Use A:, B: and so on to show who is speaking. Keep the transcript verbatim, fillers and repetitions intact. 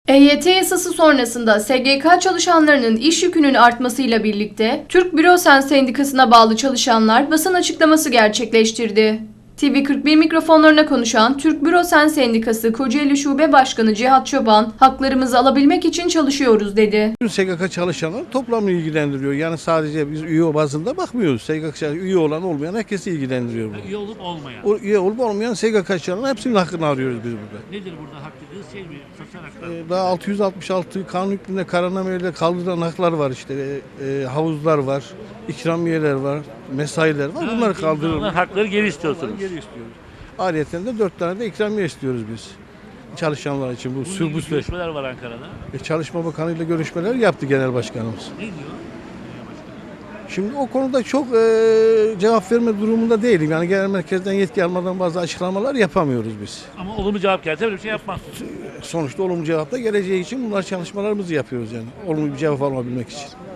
A: E Y T yasası sonrasında S G K çalışanlarının iş yükünün artmasıyla birlikte Türk Bürosen Sendikası'na bağlı çalışanlar basın açıklaması gerçekleştirdi. T V kırk bir mikrofonlarına konuşan Türk Bürosen Sendikası Kocaeli Şube Başkanı Cihat Çoban, haklarımızı alabilmek için çalışıyoruz dedi.
B: S G K çalışanları toplamı ilgilendiriyor. Yani sadece biz üye bazında bakmıyoruz. S G K üye olan olmayan herkesi ilgilendiriyor bu.
C: Üye olup olmayan.
B: O, üye olup olmayan S G K çalışanların hepsinin hakkını arıyoruz biz burada.
C: Nedir burada hak dediğiniz şey mi? Sosyal haklar mı?
B: Ee, daha altı yüz altmış altı kanun hükmünde kararnameyle kaldırılan haklar var işte. Ee, e, havuzlar var, ikramiyeler var, mesailer var. Bunları
C: Bunlar
B: kaldırıyoruz.
C: hakları geri istiyorsunuz.
B: Geri istiyoruz. Ayrıyeten de dört tane de ikramiye istiyoruz biz. Çalışanlar için bu
C: Bunun
B: sür bu
C: gibi
B: süreç.
C: görüşmeler var Ankara'da.
B: E, Çalışma Bakanı ile görüşmeler yaptı genel başkanımız.
C: Ne diyor?
B: Şimdi o konuda çok e, cevap verme durumunda değilim. Yani genel merkezden yetki almadan bazı açıklamalar yapamıyoruz biz.
C: Ama olumlu cevap gelse böyle bir şey yapmazsınız.
B: Sonuçta olumlu cevap da geleceği için bunlar çalışmalarımızı yapıyoruz yani. Olumlu bir cevap alabilmek için.